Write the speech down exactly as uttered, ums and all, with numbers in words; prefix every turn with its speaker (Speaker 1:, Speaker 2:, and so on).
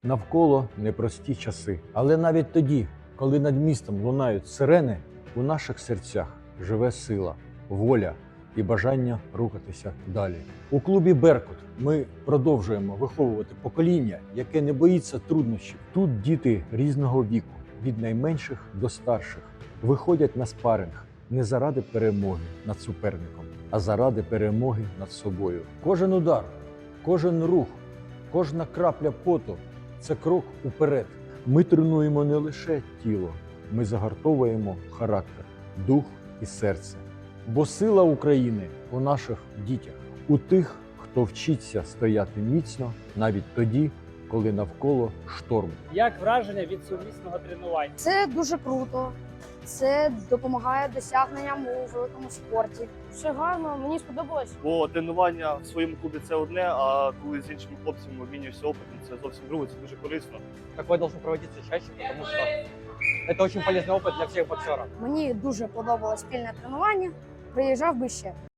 Speaker 1: Навколо непрості часи. Але навіть тоді, коли над містом лунають сирени, у наших серцях живе сила, воля і бажання рухатися далі. У клубі «Беркут» ми продовжуємо виховувати покоління, яке не боїться труднощів. Тут діти різного віку, від найменших до старших, виходять на спаринг не заради перемоги над суперником, а заради перемоги над собою. Кожен удар, кожен рух, кожна крапля поту – це крок уперед. Ми тренуємо не лише тіло, ми загартовуємо характер, дух і серце. Бо сила України у наших дітях, у тих, хто вчиться стояти міцно навіть тоді, коли навколо шторм.
Speaker 2: Як враження від сумісного тренування?
Speaker 3: Це дуже круто. Це допомагає досягненням у великому спорті. Все гарно, мені сподобалось.
Speaker 4: Бо тренування в своєму клубі це одне, а коли з іншими хлопцями обмінюєшся опитом, це зовсім друге, це дуже корисно.
Speaker 5: Такое должно проводиться чаще, потому что это очень полезный опыт для всех боксеров.
Speaker 3: Мені дуже подобалось спільне тренування. Приїжджав би ще.